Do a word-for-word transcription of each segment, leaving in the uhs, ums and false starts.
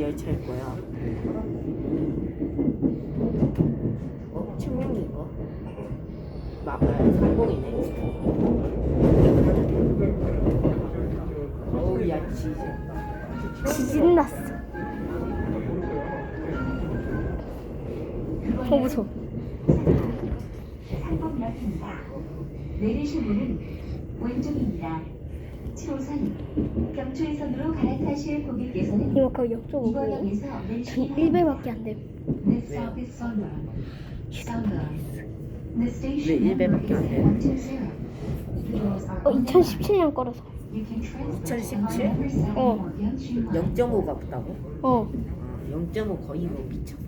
열차일 거야. 어? 측면인가? 막 상공이네. 어우 야 진짜 지진 났어. 어 무서워. 내리실 문은 왼쪽입니다. 칠 호선 경추해선으로 갈아타실 고객께서는 이거 거의 이번 역적이고 역에서 전 내리시기 일 배밖에 안 돼. Next stop is Sunrise. Sunrise. The 왜 station 일 배밖에 안 돼? one two zero. The doors are 어 on the 이천십칠 년 거라서. You can transfer 이천십칠? on every side 어. of Yeongsu 영 점 오가 없다고? 어. 영 점 오 거의 뭐 미쳤어.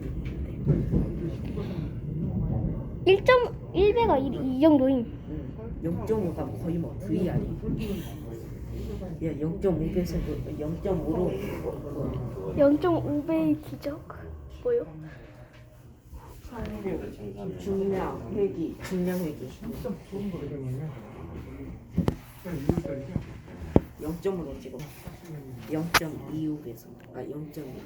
일 점 일 배가 이, 이 정도임. 영 점 오가 거의 뭐 브이알이. 야 영 점 오 배에서 영 점 오로 영 점 오 배의 기적. 뭐요? 중량 회기 중량 회기 영 점 오로 찍어. 영 점 이오 배속 아 영 점 이.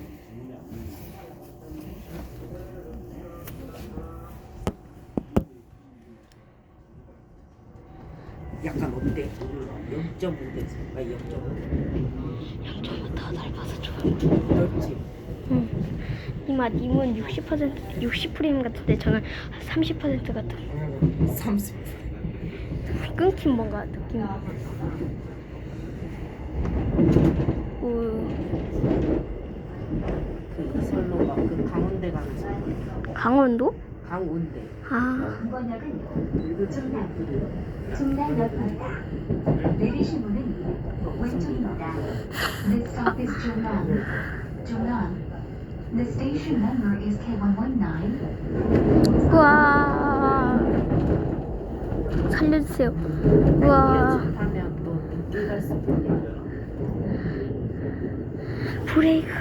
약간 어때? 영 점 오 배속 아 영 점 오. 영 점 오 더 넓어서 좋아. 넓지? 응. 이마 님은 육십 퍼센트 육십 프레임 같은데 저는 삼십 퍼센트 같아. 삼십. 끊긴 뭔가 느낌. 오. 그 이설로가 그 강원대 가는 선. 강원도? 강원대. 아. 이번 역은 중랑, 중랑역입니다. 내리실 문은 왼쪽입니다. Next stop is Jungang. Jungang. The station number is K one one nine. 우와. 살려주세요. 우와. 하면 또 늦게 갈 수 있겠냐? 브레이크.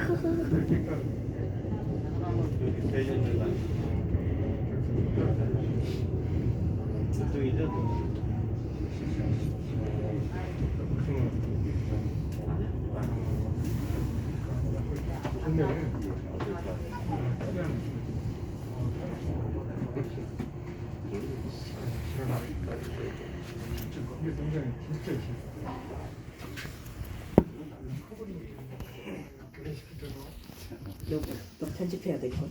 너, 너 편집해야 될 걸.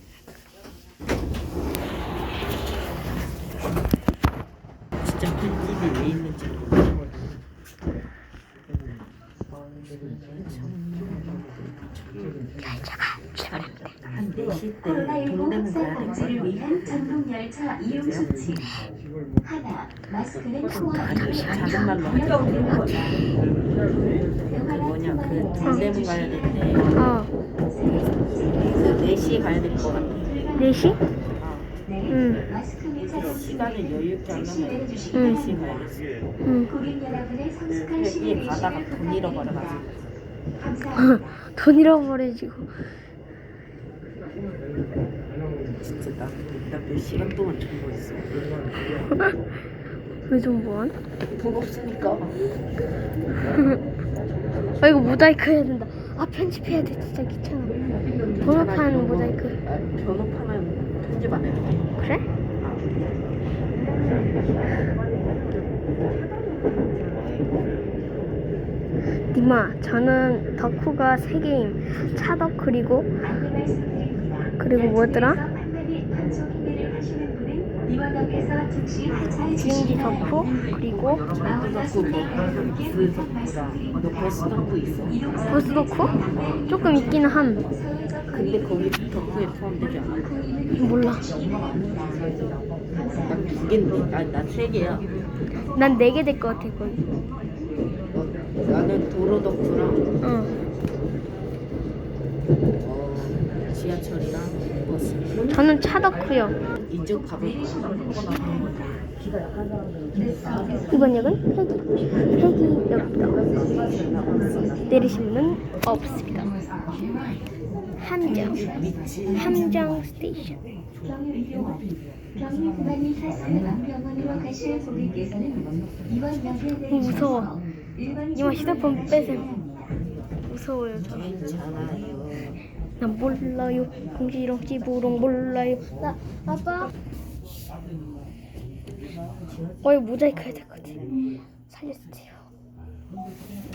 진짜 편집이 왜 있는지 모르겠어. 한 네 시 때 코로나십구 동대문 확산 가야 될 방지를 거. 위한 전동 열차 이용 수칙. 하나, 마스크는 코와 입을 작은 말로 하자. 그 뭐냐 그 동대문 가야 되는데 어. 그 네 시에 가야 될 거 같아. 네 시? 아, 응. 마스크 및 착용 시간을 여유 있게 하려면 응. 네 시에 가야겠어. 응. 고객 여러분의 성숙한 회기에 시민의 가다가 시를 돈 잃어버려가지고. 감사합니다. 돈 잃어버리지고. 진짜 나, 나 몇 시간 동안 정보 있어. 왜 좀 뭐한? 돈 없으니까. 아 이거 모자이크 해야 된다. 아 편집해야 돼. 진짜 귀찮아. 번호판 모자이크. 아, 번호판은 편집 안 해도 돼. 그래? 니마 저는 덕후가 세 개임. 차덕 그리고 안내 말씀드립니다. 그리고 뭐였더라? 판매 및 단속 행위를 하시는 분은 이번 역에서 즉시 하차해 비행기 주시기 덕후 바랍니다. 그리고 아울러 승객 여러분께 그 부탁 너 말씀드립니다. 버스 덕후 있어. 버스 덕후? 조금 있기는 함. 근데 거기 덕후에 포함되지 않아. 몰라. 난 두 개인데, 난세 개야. 난 네 개 될 것 같아 거의. 어, 나는 도로 덕후랑 응. 어, 지하철이랑 버스. 저는 차 덕후요. 이쪽 가볼 거야. 이번 역은 회기. 회기역입니다. 내리시면은 없습니다. 함정. 함정 스테이션. 병일 구간이 사스는 병원으로 가실 고객께서는 이번 역에 어, 무서워. 일반 이마 휴대폰 빼세요. 무서워요 저. 괜찮아요. 난 몰라요. 둥지렁지 부렁 몰라요. 나 아빠. 어 이거 모자이크 해야 될 것 같아. 살려주세요.